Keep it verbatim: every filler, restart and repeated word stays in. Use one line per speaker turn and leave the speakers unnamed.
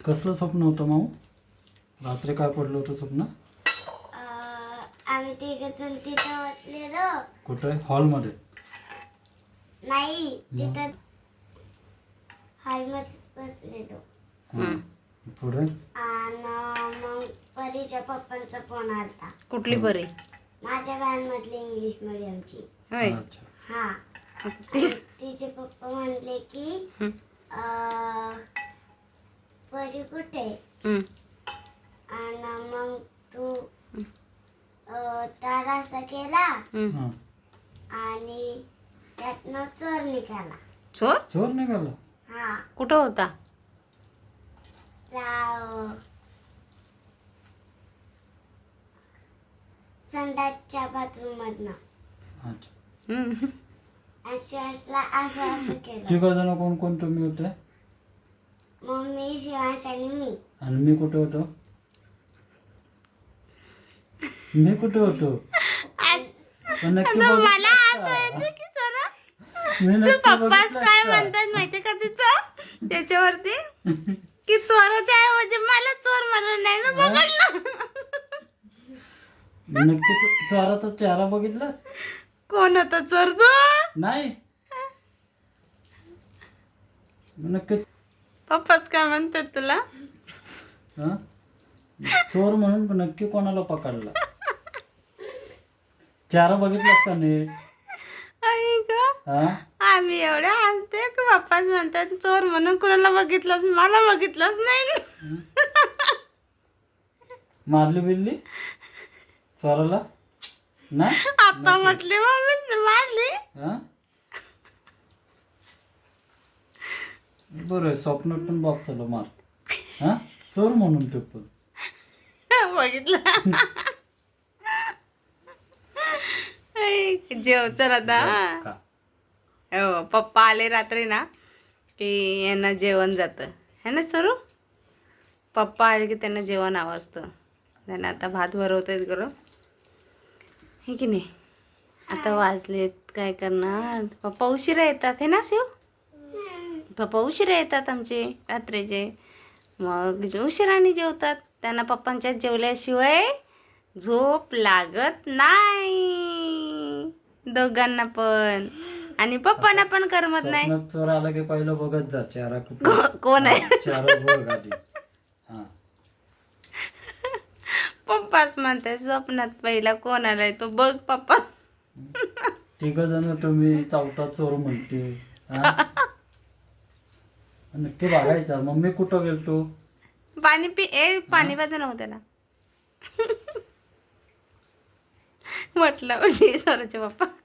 कसलं स्वप्न होतं माऊ? रात्री काय पडलं होतं स्वप्न?
आम्ही तिघ जण तिथं बसलेलो.
कुठे? हॉलमध्ये?
नाही, तिथं हॉलमध्येच बसलेलो.
हां. पुढे?
आणि मग परीच्या पप्पांचा फोन आलता.
कुठली परी?
माझ्या व्हॅनमधली इंग्लिश मिडियमची.
होय.
अच्छा.
हा. आणि तिचे पप्पा म्हणले की अं, परी कुठे?
हम्म.
आणि मग तू अं, तार असा केला
हम्म.
हां.
आणि त्यातनं चोर निघाला.
चोर
चोर निघाला?
हा.
कुठं होता?
त्या संडासच्या बाथरूम मधनं.
अच्छा.
हम्म.
आणि शिवांशला असं असं केलं.
तिघ जण कोण कोण तुम्ही होते?
मम्मी, शिवांश आणि मी.
आणि मी कुठे होतो? मी कुठे होतो? पण नक्की
मला
बघितलंस
असं
का?
येतं की चला
मी
तू
नक्की
पप्पाच
बघितलंस
काय
का?
म्हणतात माहितीये का तिचं त्याच्यावरती की चोराच्या ऐवजी मला चोर म्हणून नाही ना बघायला.
नक्की तू चोराचा चेहरा बघितलास?
कोण होता चोर तू?
नाही. नक्की
पप्पाच काय म्हणतात तुला?
हा? चोर म्हणून पण नक्की कोणाला पकडला? चेहरा बघितलास का नीट?
आई ग,
हा?
आम्ही एवढे हसते की पप्पाच म्हणतात चोर म्हणून कुणाला बघितलंच मला बघितलंच नाही.
मारली बिरली चोराला? नाही?
आता म्हटली मम्मीच मारली.
हा? बरं, स्वप्नात पण बाप चलो मार. हा? चोर म्हणून ते पण.
बघितलं. आई, जेव चल आता.
का?
हो, पप्पा आले रात्री ना की यांना जेवण जातं है ना सरू. पप्पा आले की त्यांना जेवण हवं असतं. त्यांना आता भात भरवतायत गरम हे की नाही. आता वाजलेत काय करणार. पप्पा उशिरा येतात हे ना शिव. पप्पा उशिरा येतात आमचे रात्रीचे. मग उशिराने जेवतात. त्यांना पप्पांच्या जेवल्याशिवाय झोप लागत नाही दोघांना पण. आणि पप्पांना पण करमत नाही.
स्वप्नात चोर आला की पहिलं बघत जा चेहरा कुठे.
को- कोण आहे?
हा, चेहरा बघ आधी. हा.
पप्पाच म्हणते स्वप्नात पहिला कोण आलाय तो बघ पप्पा.
तिघ जण तुम्ही चावटा चोर म्हणते. हा? नक्की बघायचा. मम्मी कुठं गेलतो?
पाणी पी ए पाणी पाजा नव्हतं त्याला. म्हटलं सरोचे पप्पा